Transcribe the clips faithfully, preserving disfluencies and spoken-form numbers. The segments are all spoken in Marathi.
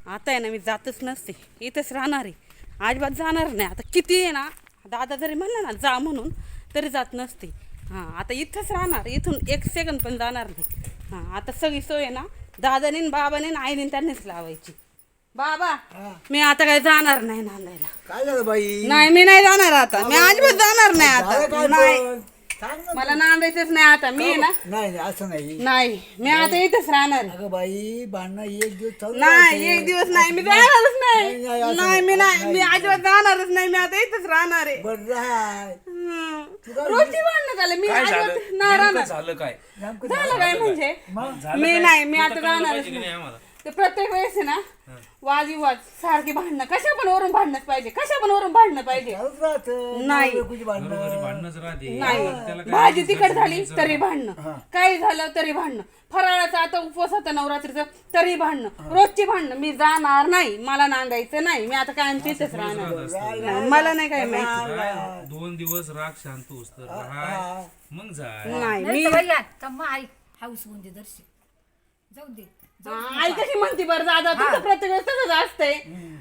आता आहे ना मी जातच नसते, इथंच राहणार आहे, अजिबात जाणार नाही. आता किती आहे ना, दादा जरी म्हणला ना जा म्हणून तरी जात नसते. हां आता इथंच राहणार, इथून एक सेकंद पण जाणार नाही. हां आता सगळी सोय आहे ना दादाने न बाबाने न आईने त्यांनीच लावायची. बाबा मी आता काय जाणार नाही नांदायला. काय झालं बाई? नाही मी नाही जाणार आता, मी अजिबात जाणार नाही झालं आता. काय नाही पण? सांग ना मला नांदायचंच नाही आता. मी ना तू. नाही नाही, असं नाही. नाही मी आता इथंच राहणार आहे. अगं बाई भांडणं एक दिवस चालू नाही राहते. एक दिवस नाही, मी जाणारच नाही, नाही, नाही. असं नाही मी नाही, नाही, मी अजिबात जाणारच नाही. मी आता इथंच राहणार आहे. बरं राह. हम्म. तुला- रोजची भांडणं झालं, मी काय झालं अजिबात नाही नेमकं राहणार. झालं काय नेमकं झालं काय म्हणजे मग झालं मी काय? नाही, मी तू आता तर कळलं जाणारच पाहिजे की नाही. नाही आम्हाला? ते प्रत्येक वेळेस आहे ना वादविवाद सारखी भांडणं, कशा पण वरून भांडणंच पाहिजे, कशा पण वरून भांडणं पाहिजे. चालूच राहतं. नाही. नवरा-बायकोची भांडणं. घरोघरी भांडणच राहते नाही त्याला काय भाजी विचार तिखट झाली करायचं? तरी भांडणं, काही झालं तरी भांडणं, फराळाचा आता उपवास होता नवरात्रीचा तरी भांडणं, रोजची भांडणं. मी जाणार नाही, मला नांदायचं नाही, मी आता काय तिथेच राहणार. नाही, मला नाही काय माहिती. राह, दोन दिवस राग शांत होस तर राह, मग जाय. नाही नाही मी तर भैया तम्मा आई हाऊस म्हणजे दर्शी जाऊ दे जाऊ दे. हा, आई कशी म्हणते बरं दादा, तुझं प्रत्येक वेळेस तसंच असतंय.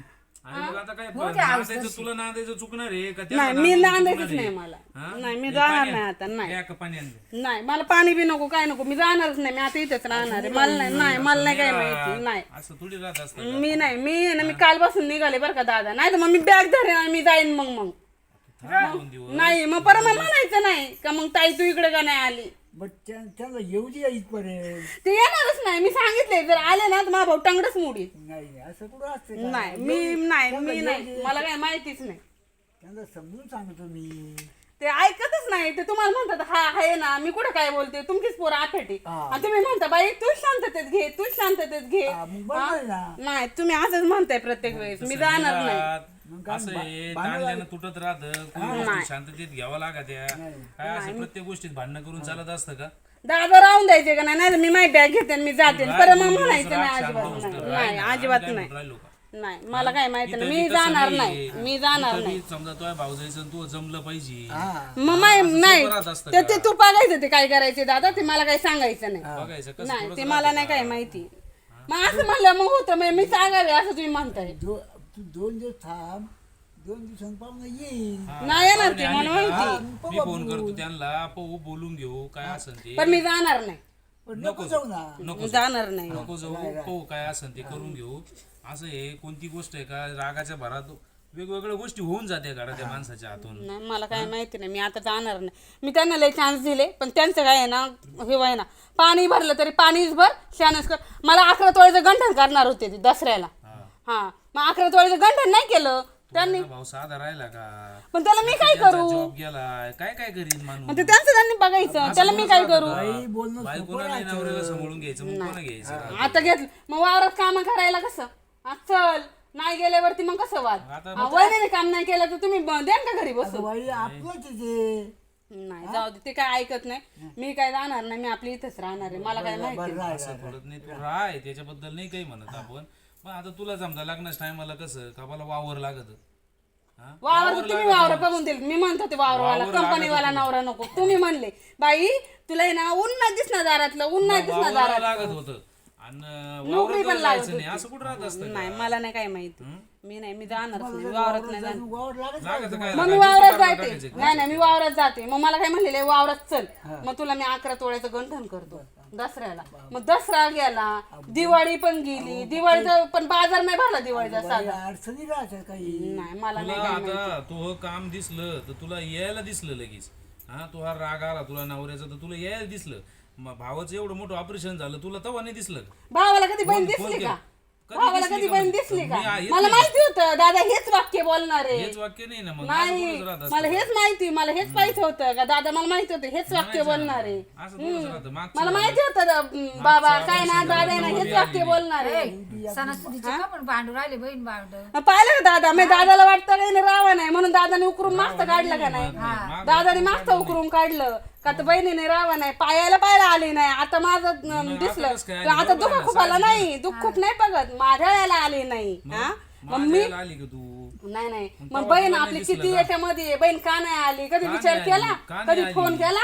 आणि मग आता काय हो ते हाऊस नांदायचं तुला नांदायचं चुकणार आहे का त्याला नाही मी नांदायचं नांदायचंच चुकणार नाही आहे? मला. हा? नाही मी हे जाणार पाणी नाही आण. आता. नाही या का पाणी आणलं? नाही मला पाणी बी नको काय नको, मी जाणारच नाही. मी आता इथेच राहणार आहे. मला नाही नाही मला नाही काय माहिती. नाही असं थोडी राहत असतं मी नाही, मी ना मी कालपासून निघाले बरं का दादा, नाही तर मग मी बॅग धरेन आणि मी जाईन. मग मग थांब दोन दिवस नाही मग परत मग म्हणायचं नाही का मग ताई तू इकडे का नाही आली. बट त्या- त्याला येऊ दे इथपर्यंत. ते येणारच नाही. मी सांगितले जर आले ना तर माझा भाऊ टांगडच मोडीत. नाही नाही, असं कुठं असते का? नाही मी नाही मी नाही, मला काय माहितीच नाही. त्यांना समजून सांगतो मी. ते ऐकतच नाही. ते तुम्हाला म्हणतात हा आहे ना, मी कुठं काय बोलते, तुमचीच पोरं आठवते हा. आणि तुम्ही म्हणता बाई तूच शांततेत घे, तूच शांततेत घे. हा, मग बरोबर आहे ना. नाही तुम्ही असंच म्हणताय प्रत्येक वेळेस. मी जाणार नाही. मग काय असं आहे भांडण ताणल्यानं तुटत राहतं, कोणी गोष्टी शांततेत घ्यावं लागत या. काय असं प्रत्येक गोष्टीत भांडणं करून चालत असतं का? दादा राहून द्यायचे का नाही, नाही तर मी माझी बॅग घेते आणि मी जाते. राग परत मग दोन दिवस म्हणायचं राग नाही शांत अजिबात होस नाही. तर नाही राह ना. अजिबात आम्ही काय नाही. म्हणून राहिलो का? नाही मला काय माहिती नाही, इथं मी बी तसं जाणार नाहीये. नाही. मी जाणार इथं नाही. बी समजा तुझ्या भाऊ जायचं तू जमलं पाहिजे हा. मग माय नाही सोबत राहत असतं ते का? ते तू बघायचं ते काय करायचे दादा, ते मला काही सांगायचं नाही. बघायचं कसं नाही थोडंसं ते मला नाही काय माहिती. मग असं म्हणलं मग होतं मग मी सांगावे असं तुम्ही म्हणताय. दो- तू दोन दिवस थांब, दोन दिवसांनी पाहुणा येईल. हा, नाही येणार ते पाहुणे मला आले का? माहिती. मी फोन करतो त्यांना पाहू बोलून घेऊ काय असेल ते. पण मी जाणार नाही, पण नको जाऊ ना. नको जाणार नाही. नको जाऊ पाहू काय असेल ते करून घेऊ. असं आहे कोणती गोष्ट आहे का रागाच्या भरात वेगवेगळ्या गोष्टी होऊन जाते घरात त्या माणसाच्या हातून. नाही मला काय माहिती नाही. मी आता जाणार नाही. मी त्यांना लय चान्स दिले पण त्यांचं काय आहे ना, हे आहे ना, पाणी भरलं तरी पाणीच भर शानच कर. मला अकरा तोळ्याचं गंठण करणार होते ते दसऱ्याला. हा मग अकरा तोळ्याचं गंठण नाही केलं त्यांनी. भाऊ साधा राहिला का? पण त्याला मी काय करू? जॉब गेलाय काय काय करीन माणूस? मग ते त्यांचं त्यांनी बघायचं, त्याला मी काय करू? बाई बोलणं बायकोला नाही नवऱ्याला सांभाळून घ्यायचं मग कोणा घ्यायचं? आता घेतलं मग वावरात काम करायला कसं हा, चल नाही गेल्यावरती मग कसं वाद. आता हा, वहिनीने काम नाही केलं तर तुम्ही ब- द्या का घरी बसून. बाई आपलंच आहे ते. नाही जाऊ दे, ते काय ऐकत नाही. मी काय जाणार नाही, मी आपली इथेच राहणार आहे. मला काय माहिती बरं राह, असं थोडं नाही तू राह त्याच्याबद्दल नाही काही म्हणत आपण. पण आता तुला समजा लग्नाच्या टायमाला कसं का मला वावर लागत हा? वावर तुम्ही वावर बघून दिले. मी म्हणतो ते वावरवाला कंपनीवाला नवरा नको. तुम्ही म्हणले बाई तुला आहे ना ऊन नाही दिसणार दारातलं, ऊन नाही दिसणार वावराला दारात. लागत होतं आणि नोकरी पण वावरात लागत जायचं नाही असं कुठं राहत असतं नाही मला नाही काय माहिती. मी नाही, मी जाणारच नाही. मी वावरात नाही जाणार. वावर लागत लागत काय मग मी वावरात जाते. नाही नाही मी वावरात जाते. मग मला काय म्हणलेलं आहे, वावरात चल मग तुला मी अकरा तोळ्याचं गंठण करतो दसऱ्याला. मग दसरा गेला, दिवाळी पण गेली, दिवाळीचा पण बाजार नाही भरला दिवाळीचा साधा. अडचणी राहतात काही. नाही मला तुला नाही काय आता तो काम दिसलं तर तुला यायला दिसलं लगेच. हा तो हा राग आला तुला नवऱ्याचा तर तुला यायला दिसलं. मग भावाचं एवढं मोठं ऑपरेशन झालं तुला तेव्हा नाही दिसलं का? भावाला कधी बहीण फोन दिसली केला. का? कधी भावाला दिसली कधी का बहीण म्हणजे? दिसली का? मी आहे मला तुझी. माहिती होतं दादा हेच वाक्य बोलणार आहे. हेच वाक्य नाही ना मग नाही असं बोलत राहत असतं. मला हेच माहिती, मला हेच माहिती होतं का दादा मला माहिती होतं हेच वाक्य बोलणार आहे. असं बोलत राहतं मागचं मला माहिती होतं दा- बाबा काय ना दादा आहे ना हेच वाक्य बोलणार आहे. सणासुदीचे का पण भांडू राहिले बहीण भांड पाहिलं का दादा, मी दादाला वाटतं काही नाही रावा नाही म्हणून दादाने उकरून मागचं काढलं का नाही. दादाने मागचं उकरून काढलं का तर बहिणीने रावा नाही, पायाला पायला आली नाही. आता माझं अं, दिसलं कसं काय तर आली? आता बरोबर दुःख आहे ना, खूप आला नाही, दुःख खूप नाही बघत माझ्या आली नाही. हा मग मी माझ्याला आली का तू? नाही नाही मग तेव्हा बहीण तुला आपली नाही दिसलं किती का? याच्यामध्ये बहीण का नाही आली, कधी का विचार नाही केला, आली? का नाही कधी आली? फोन केला,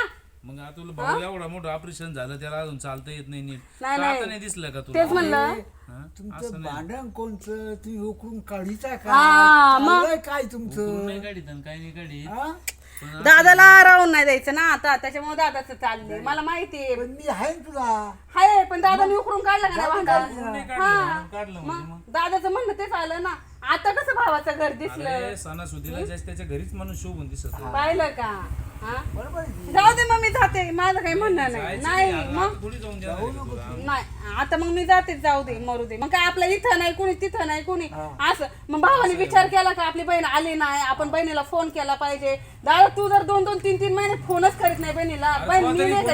मग आता तुला भाऊ एवढा मोठं ऑपरेशन झालं त्याला अजून चालता येत नाही नीट नाही, तर नाही. आता नाही दिसलं का तुला तेच म्हणलं हा? तुमचं भांडण कोणचं तुम्ही उकळून काढीचा हा, काय मग. चाललंय काय तू तुमचं नाही काढीत आणि काही नाही काढीत हा? दादाला राहून नाही द्यायचं ना आता त्याच्यामुळे दादाचं चाललंय मला माहितीये पण मी आहे ना तुला हाय पण दादाने उकरून काढलं का नाही भांडण नाही काढलं म्हणून काढलं म्हणजे मग मग दादाचं म्हणणं तेच आलं ना आता कसं भावाचं घर दिसलं अरे सणासुदीला जास्त त्याच्या घरीच माणूस शोभून दिसत पाहिलं का हा बरोबर आहे की? जाऊ दे मग मी जाते माझं काही म्हणणं नाही जायचं नाही नाही, मग आता थोडी जाऊन देणार आहे का तुला? नाही आता मग मी जाते जाऊ दे मरू दे मग काय आपल्या इथं नाही कुणी तिथं नाही कुणी असं मग भावाने विचार केला का आपली बहीण आली नाही आपण बहिणीला फोन केला पाहिजे दादा तू जर दोन दोन तीन तीन महिने फोनच करीत नाही बहिणीला अरे बहीण तू मी तरी नाही